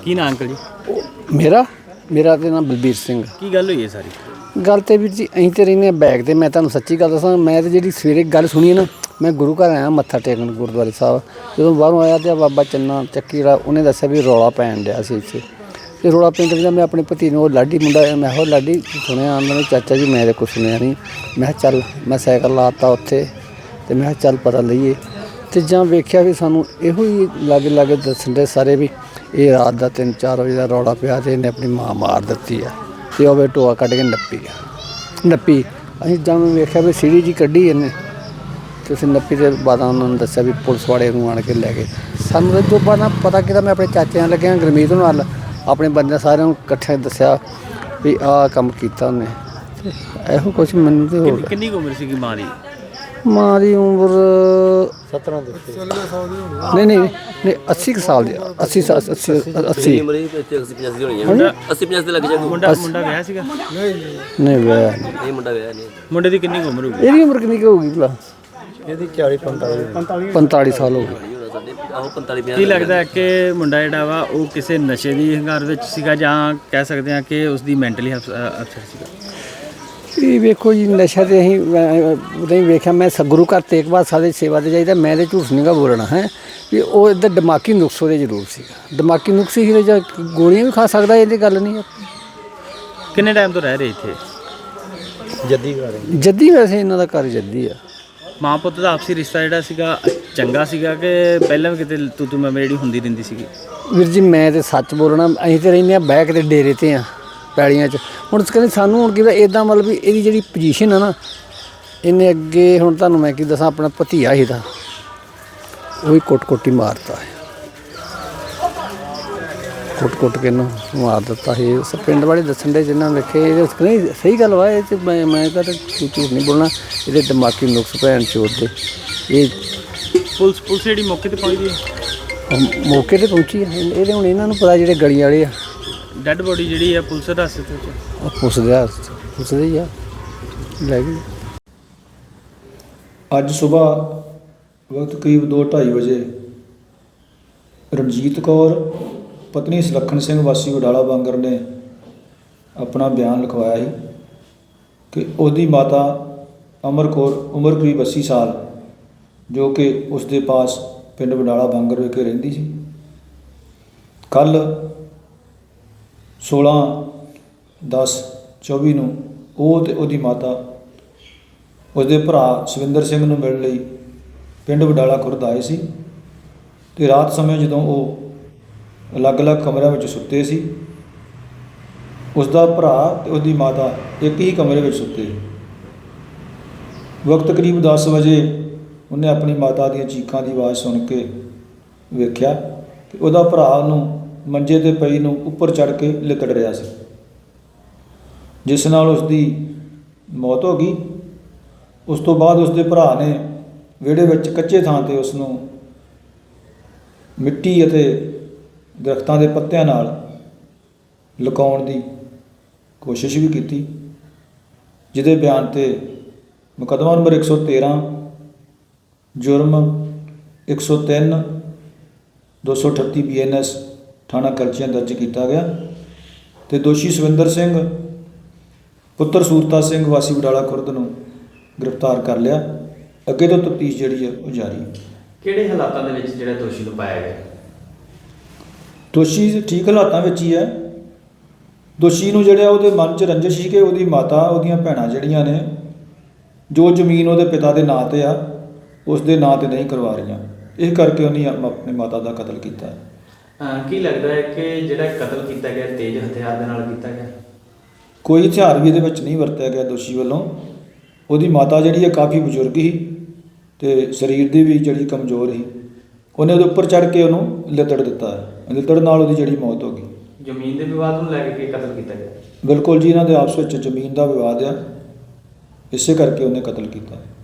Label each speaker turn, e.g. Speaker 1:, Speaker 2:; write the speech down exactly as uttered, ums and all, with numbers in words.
Speaker 1: ਕੀ ਨਾਂ ਅੰਕਲ ਜੀ?
Speaker 2: ਮੇਰਾ ਮੇਰਾ ਤੇ ਨਾਮ ਬਲਬੀਰ ਸਿੰਘ।
Speaker 1: ਕੀ ਗੱਲ ਹੋਈ ਹੈ ਸਾਰੀ
Speaker 2: ਗੱਲ ਤੇ ਵੀਰ ਜੀ ਅਸੀਂ ਤੇ ਰਹਿੰਦੇ ਹਾਂ ਬੈਗ ਤੇ। ਮੈਂ ਤੁਹਾਨੂੰ ਸੱਚੀ ਗੱਲ ਦੱਸਾਂ, ਮੈਂ ਤੇ ਜਿਹੜੀ ਸਵੇਰੇ ਗੱਲ ਸੁਣੀ ਨਾ, ਮੈਂ ਗੁਰੂ ਘਰ ਆਇਆ ਮੱਥਾ ਟੇਕਣ ਗੁਰਦੁਆਰੇ ਸਾਹਿਬ। ਜਦੋਂ ਬਾਹਰੋਂ ਆਇਆ ਤੇ ਬਾਬਾ ਚੰਨਾ ਚੱਕੀ ਜਿਹੜਾ ਉਹਨੇ ਦੱਸਿਆ ਵੀ ਰੌਲਾ ਪੈਣ ਡਿਆ ਸੀ ਇੱਥੇ। ਤੇ ਰੌਲਾ ਪੈਣ ਤੋਂ ਮੈਂ ਆਪਣੇ ਭਤੀ ਨੂੰ, ਉਹ ਲਾਡੀ ਮੁੰਡਾ, ਮੈਂ ਕਿਹਾ ਲਾਡੀ ਸੁਣਿਆ ਆਂਦਾ ਨੇ ਚਾਚਾ ਜੀ? ਮੈਂ ਤਾਂ ਕੁਛ ਸੁਣਿਆ ਨਹੀਂ। ਮੈਂ ਕਿਹਾ ਚੱਲ, ਮੈਂ ਸਾਈਕਲ ਲਾ ਤਾ ਉੱਥੇ ਤੇ ਮੈਂ ਕਿਹਾ ਚੱਲ ਪਤਾ ਲਈਏ। ਤੇ ਜਾਂ ਵੇਖਿਆ ਵੀ ਸਾਨੂੰ ਇਹੋ ਹੀ ਲਾਗੇ ਲਾਗੇ ਦੱਸਣ ਦੇ ਸਾਰੇ ਵੀ ਇਹ ਰਾਤ ਦਾ ਤਿੰਨ ਚਾਰ ਵਜੇ ਦਾ ਰੌਲਾ ਪਿਆ ਤੇ ਇਹਨੇ ਆਪਣੀ ਮਾਂ ਮਾਰ ਦਿੱਤੀ ਆ। ਤੇ ਉਹ ਟੋਆ ਕੱਢ ਕੇ ਨੱਪੀ ਆ ਨੱਪੀ ਅਸੀਂ ਜਾਂ ਵੇਖਿਆ ਵੀ ਸੀੜੀ ਜੀ ਕੱਢੀ ਇਹਨੇ ਤੇ ਅਸੀਂ ਨੱਪੀ ਦੇ ਬਾਅਦ ਉਹਨਾਂ ਨੂੰ ਦੱਸਿਆ ਵੀ ਪੁਲਿਸ ਵਾਲੇ ਨੂੰ ਆਣ ਕੇ ਲੈ ਗਏ ਸਾਨੂੰ। ਤਾਂ ਜੋ ਬਾਅਦ ਪਤਾ ਕੀਤਾ, ਮੈਂ ਆਪਣੇ ਚਾਚੇ ਨਾਲ ਲੱਗਿਆ ਗੁਰਮੀਤ ਨਾਲ, ਆਪਣੇ ਬੰਦਿਆਂ ਸਾਰਿਆਂ ਨੂੰ ਇਕੱਠੇ ਦੱਸਿਆ ਵੀ ਆਹ ਕੰਮ ਕੀਤਾ ਉਹਨੇ। ਇਹੋ ਕੁਛ ਮੈਨੂੰ ਤੇ ਹੋਰ।
Speaker 1: ਕਿੰਨੀ ਉਮਰ ਸੀਗੀ ਮਾਂ ਦੀ?
Speaker 2: ਮਾਂ ਦੀ ਉਮਰ ਸਤਾਰਾਂ ਦੀ ਨਹੀਂ ਨਹੀਂ ਨਹੀਂ ਅੱਸੀ ਕੁ ਸਾਲ ਦੀ। ਅੱਸੀ ਸਾਲ ਅੱਸੀ ਅੱਸੀ
Speaker 1: ਮੁੰਡਾ ਮੁੰਡਾ ਵਿਆਹ ਸੀਗਾ?
Speaker 2: ਨਹੀਂ ਵਿਆਹ ਨਹੀਂ।
Speaker 1: ਮੁੰਡਾ ਵਿਆਹ ਨਹੀਂ। ਮੁੰਡੇ ਦੀ ਕਿੰਨੀ ਉਮਰ ਹੋਊਗੀ?
Speaker 2: ਇਹਦੀ ਉਮਰ ਕਿੰਨੀ ਕੁ ਹੋਊਗੀ ਭਲਾ?
Speaker 3: ਇਹਦੀ ਚਾਲੀ ਪੰਤਾਲੀ
Speaker 2: ਪੰਤਾਲੀ ਸਾਲ ਹੋ ਗਏ।
Speaker 1: ਕੀ ਲੱਗਦਾ ਹੈ ਕਿ ਮੁੰਡਾ ਜਿਹੜਾ ਵਾ ਉਹ ਕਿਸੇ ਨਸ਼ੇ ਦੀ ਹੰਗਾਰ ਵਿੱਚ ਸੀਗਾ, ਜਾਂ ਕਹਿ ਸਕਦੇ ਹਾਂ ਕਿ ਉਸਦੀ ਮੈਂਟਲੀ ਅਪਸੈਟ ਸੀਗਾ?
Speaker 2: ਇਹ ਵੇਖੋ ਜੀ, ਨਸ਼ਾ ਤੇ ਅਸੀਂ ਨਹੀਂ ਵੇਖਿਆ। ਮੈਂ ਗੁਰੂ ਘਰ ਤੇਗ ਬਹਾਦਰ ਦੀ ਸੇਵਾ 'ਤੇ ਜਾਈਦਾ। ਮੈਂ ਤਾਂ ਝੂਠ ਨਹੀਂ ਗਾ ਬੋਲਣਾ ਹੈ ਵੀ ਉਹ ਇੱਧਰ ਦਿਮਾਗੀ ਨੁਕਸ ਉਹਦੇ ਜ਼ਰੂਰ ਸੀਗਾ। ਦਿਮਾਗੀ ਨੁਕਸ ਸੀ ਜਾਂ ਗੋਲੀਆਂ ਵੀ ਖਾ ਸਕਦਾ, ਇਹਦੀ ਗੱਲ ਨਹੀਂ।
Speaker 1: ਕਿੰਨੇ ਟਾਈਮ ਤੋਂ ਰਹਿ ਰਹੇ ਇੱਥੇ?
Speaker 3: ਜੱਦੀ ਘਰ
Speaker 2: ਜੱਦੀ, ਵੈਸੇ ਇਹਨਾਂ ਦਾ ਘਰ ਜੱਦੀ ਆ।
Speaker 1: ਮਾਂ ਪੁੱਤ ਦਾ ਆਪਸੀ ਰਿਸ਼ਤਾ ਜਿਹੜਾ ਸੀਗਾ ਚੰਗਾ ਸੀਗਾ ਕਿ ਪਹਿਲਾਂ ਵੀ ਕਿਤੇ ਤੂੰ ਤੂੰ ਮੈਂ ਜਿਹੜੀ ਹੁੰਦੀ ਰਹਿੰਦੀ ਸੀਗੀ?
Speaker 2: ਵੀਰ ਜੀ ਮੈਂ ਤਾਂ ਸੱਚ ਬੋਲਣਾ, ਅਸੀਂ ਤਾਂ ਰਹਿੰਦੇ ਹਾਂ ਬੈਕ ਦੇ ਡੇਰੇ 'ਤੇ ਆ ਪੈਲੀਆਂ 'ਚ। ਹੁਣ ਕਹਿੰਦੇ ਸਾਨੂੰ ਹੁਣ ਕਿਵੇਂ ਇੱਦਾਂ, ਮਤਲਬ ਵੀ ਇਹਦੀ ਜਿਹੜੀ ਪੋਜੀਸ਼ਨ ਆ ਨਾ, ਇਹਨੇ ਅੱਗੇ ਹੁਣ ਤੁਹਾਨੂੰ ਮੈਂ ਕੀ ਦੱਸਾਂ, ਆਪਣਾ ਭਤੀਆ ਇਹਦਾ ਉਹ ਵੀ ਕੁੱਟ ਕੁੱਟ ਹੀ ਮਾਰਤਾ ਹੈ। ਕੁੱਟ ਕੁੱਟ ਕੇ ਇਹਨੂੰ ਮਾਰ ਦਿੱਤਾ ਸੀ। ਉਸ ਪਿੰਡ ਵਾਲੇ ਦੱਸਣ ਦੇ ਜਿੰਨਾ ਵੇਖੇ, ਇਹਦੇ ਨਹੀਂ ਸਹੀ ਗੱਲ ਵਾ ਇਹ 'ਚ। ਮੈਂ ਮੈਂ ਤਾਂ ਝੂਠ ਨਹੀਂ ਬੋਲਣਾ, ਇਹਦੇ ਦਿਮਾਗੀ ਨੁਕਸ ਭੈਣ ਚੋਰ ਦੇ। ਇਹ
Speaker 1: ਪੁਲਿਸ ਪੁਲਿਸ ਜਿਹੜੀ ਮੌਕੇ 'ਤੇ ਪਹੁੰਚਦੀ ਹੈ?
Speaker 2: ਮੌਕੇ 'ਤੇ ਪਹੁੰਚੀ ਹੈ। ਇਹਦੇ ਹੁਣ ਇਹਨਾਂ ਨੂੰ ਪਤਾ ਜਿਹੜੇ ਗਲੀ ਵਾਲੇ ਆ।
Speaker 1: ਡੈੱਡ ਬੋਡੀ ਜਿਹੜੀ ਆ ਪੁਲਿਸ ਹਿਰਾਸਤ ਵਿੱਚ?
Speaker 2: ਪੁੱਛਦੇ ਆ ਪੁੱਛਦੇ ਹੀ ਆ ਲੈ ਗਏ।
Speaker 3: ਅੱਜ ਸੁਬਾਹ ਵਕਤ ਕਰੀਬ ਦੋ ਢਾਈ ਵਜੇ ਰਣਜੀਤ ਕੌਰ ਪਤਨੀ ਸੁਲੱਖਣ ਸਿੰਘ ਵਾਸੀ ਵਡਾਲਾ ਬਾਂਗਰ ਨੇ ਆਪਣਾ ਬਿਆਨ ਲਿਖਵਾਇਆ ਸੀ ਕਿ ਉਹਦੀ ਮਾਤਾ ਅਮਰ ਕੌਰ ਉਮਰ ਕਰੀਬ ਅੱਸੀ ਸਾਲ, ਜੋ ਕਿ ਉਸ ਦੇ ਪਾਸ ਪਿੰਡ ਵਡਾਲਾ ਬਾਂਗਰ ਵਿਖੇ ਰਹਿੰਦੀ ਸੀ, ਕੱਲ੍ਹ ਸੋਲਾਂ ਦਸ ਚੌਵੀ ਨੂੰ ਉਹ ਅਤੇ ਉਹਦੀ ਮਾਤਾ ਉਸਦੇ ਭਰਾ ਸਵਿੰਦਰ ਸਿੰਘ ਨੂੰ ਮਿਲਣ ਲਈ ਪਿੰਡ ਵਡਾਲਾ ਖੁਰਦ ਆਏ ਸੀ। ਅਤੇ ਰਾਤ ਸਮੇਂ ਜਦੋਂ ਉਹ ਅਲੱਗ-ਅਲੱਗ ਕਮਰਿਆਂ ਵਿੱਚ ਸੁੱਤੇ ਸੀ, ਉਸਦਾ ਭਰਾ ਅਤੇ ਉਹਦੀ ਮਾਤਾ ਇੱਕ ਹੀ ਕਮਰੇ ਵਿੱਚ ਸੁੱਤੇ। ਵਕਤ ਕਰੀਬ ਦਸ ਵਜੇ ਉਹਨੇ ਆਪਣੀ ਮਾਤਾ ਦੀਆਂ ਚੀਖਾਂ ਦੀ ਆਵਾਜ਼ ਸੁਣ ਕੇ ਵੇਖਿਆ ਕਿ ਉਹਦਾ ਭਰਾ ਉਹਨੂੰ ਮੰਜੇ 'ਤੇ ਪਈ ਨੂੰ ਉੱਪਰ ਚੜ੍ਹ ਕੇ ਲਿਕੜ ਰਿਹਾ ਸੀ, ਜਿਸ ਨਾਲ ਉਸਦੀ ਮੌਤ ਹੋ ਗਈ। ਉਸ ਤੋਂ ਬਾਅਦ ਉਸਦੇ ਭਰਾ ਨੇ ਵਿਹੜੇ ਵਿੱਚ ਕੱਚੇ ਥਾਂ 'ਤੇ ਉਸ ਨੂੰ ਮਿੱਟੀ ਅਤੇ ਦਰਖਤਾਂ ਦੇ ਪੱਤਿਆਂ ਨਾਲ ਲੁਕਾਉਣ ਦੀ ਕੋਸ਼ਿਸ਼ ਵੀ ਕੀਤੀ, ਜਿਹਦੇ ਬਿਆਨ 'ਤੇ ਮੁਕੱਦਮਾ ਨੰਬਰ ਇੱਕ ਸੌ ਤੇਰ੍ਹਾਂ ਜੁਰਮ ਇੱਕ ਸੌ ਤਿੰਨ ਦੋ ਸੌ ਅਠੱਤੀ ਬੀ ਐਨ ਐਸ ਥਾਣਾ ਕਰਚੀਆਂ ਦਰਜ ਕੀਤਾ ਗਿਆ ਅਤੇ ਦੋਸ਼ੀ ਸਵਿੰਦਰ ਸਿੰਘ ਪੁੱਤਰ ਸੂਰਤਾ ਸਿੰਘ ਵਾਸੀ ਵਡਾਲਾ ਖੁਰਦ ਨੂੰ ਗ੍ਰਿਫਤਾਰ ਕਰ ਲਿਆ। ਅੱਗੇ ਤੋਂ ਤਫਤੀਸ਼ ਜਿਹੜੀ ਹੈ ਉਹ ਜਾਰੀ।
Speaker 1: ਕਿਹੜੇ ਹਾਲਾਤਾਂ ਦੇ ਵਿੱਚ ਜਿਹੜਾ ਦੋਸ਼ੀ ਨੂੰ ਪਾਇਆ ਗਿਆ?
Speaker 3: ਦੋਸ਼ੀ ਠੀਕ ਹਾਲਾਤਾਂ ਵਿੱਚ ਹੀ ਹੈ। ਦੋਸ਼ੀ ਨੂੰ ਜਿਹੜਾ ਉਹਦੇ ਮਨ 'ਚ ਰੰਜਿਸ਼ ਸੀ ਕਿ ਉਹਦੀ ਮਾਤਾ, ਉਹਦੀਆਂ ਭੈਣਾਂ ਜਿਹੜੀਆਂ ਨੇ, ਜੋ ਜ਼ਮੀਨ ਉਹਦੇ ਪਿਤਾ ਦੇ ਨਾਂ 'ਤੇ ਆ, ਉਸ ਦੇ ਨਾਂ 'ਤੇ ਨਹੀਂ ਕਰਵਾ ਰਹੀਆਂ, ਇਸ ਕਰਕੇ ਉਹਨੇ ਆਪਣੀ ਮਾਤਾ ਦਾ ਕਤਲ ਕੀਤਾ।
Speaker 1: ਕੀ ਲੱਗਦਾ ਹੈ ਕਿ ਜਿਹੜਾ ਕਤਲ ਕੀਤਾ ਗਿਆ ਤੇਜ਼ ਹਥਿਆਰ ਦੇ ਨਾਲ ਕੀਤਾ ਗਿਆ?
Speaker 3: ਕੋਈ ਹਥਿਆਰ ਵੀ ਇਹਦੇ ਵਿੱਚ ਨਹੀਂ ਵਰਤਿਆ ਗਿਆ ਦੋਸ਼ੀ ਵੱਲੋਂ। ਉਹਦੀ ਮਾਤਾ ਜਿਹੜੀ ਹੈ ਕਾਫੀ ਬਜ਼ੁਰਗ ਸੀ ਅਤੇ ਸਰੀਰ ਦੀ ਵੀ ਜਿਹੜੀ ਕਮਜ਼ੋਰ ਸੀ। ਉਹਨੇ ਉਹਦੇ ਉੱਪਰ ਚੜ੍ਹ ਕੇ ਉਹਨੂੰ ਲਿੱਤੜ ਦਿੱਤਾ ਹੈ। ਲਿੱਤੜ ਨਾਲ ਉਹਦੀ ਜਿਹੜੀ ਮੌਤ ਹੋ ਗਈ।
Speaker 1: ਜ਼ਮੀਨ ਦੇ ਵਿਵਾਦ ਨੂੰ ਲੈ ਕੇ ਕਤਲ ਕੀਤਾ ਗਿਆ?
Speaker 3: ਬਿਲਕੁਲ ਜੀ, ਇਹਨਾਂ ਦੇ ਆਪਸ ਵਿੱਚ ਜ਼ਮੀਨ ਦਾ ਵਿਵਾਦ ਆ, ਇਸੇ ਕਰਕੇ ਉਹਨੇ ਕਤਲ ਕੀਤਾ।